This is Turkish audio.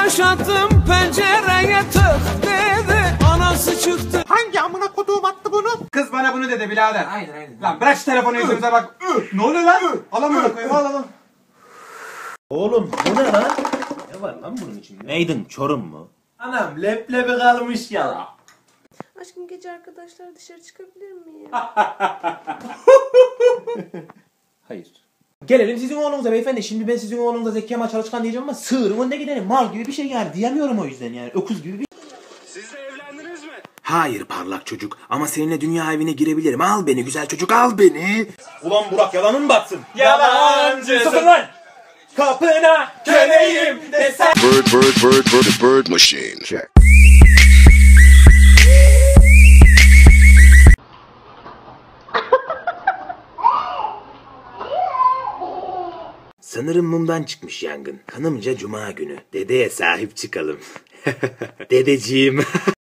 taş attım pencereye tık dedi. Anası çıktı. Hangi amına koduğum attı bunu? Kız bana bunu dedi birader. Aynen. Lan bırak şu telefonu yüzümüze bak. Ne oluyor lan? Al amına koyayım al. Oğlum bu ne lan? Ne var lan bunun içinde? Neydin, Çorum mu? Anam leblebi kalmış ya. Aşkım gece arkadaşlar dışarı çıkabilir miyim? Hayır. Gelelim sizin oğlunuza beyefendi. Şimdi ben sizin oğlunuza Zeki Kemal Çalışkan diyeceğim ama sığırın önüne gidelim. Mal gibi bir şey yani. Diyemiyorum o yüzden yani. Öküz gibi bir... Siz de evlendiniz mi? Hayır parlak çocuk ama seninle dünya evine girebilirim. Al beni güzel çocuk al beni. Ulan Burak yalanın batsın. Yalancısın. Sakın lan. Kapına köleyim desen. Bird machine. Check. Sanırım mumdan çıkmış yangın. Hanımca cuma günü. Dedeye sahip çıkalım. Dedeciğim.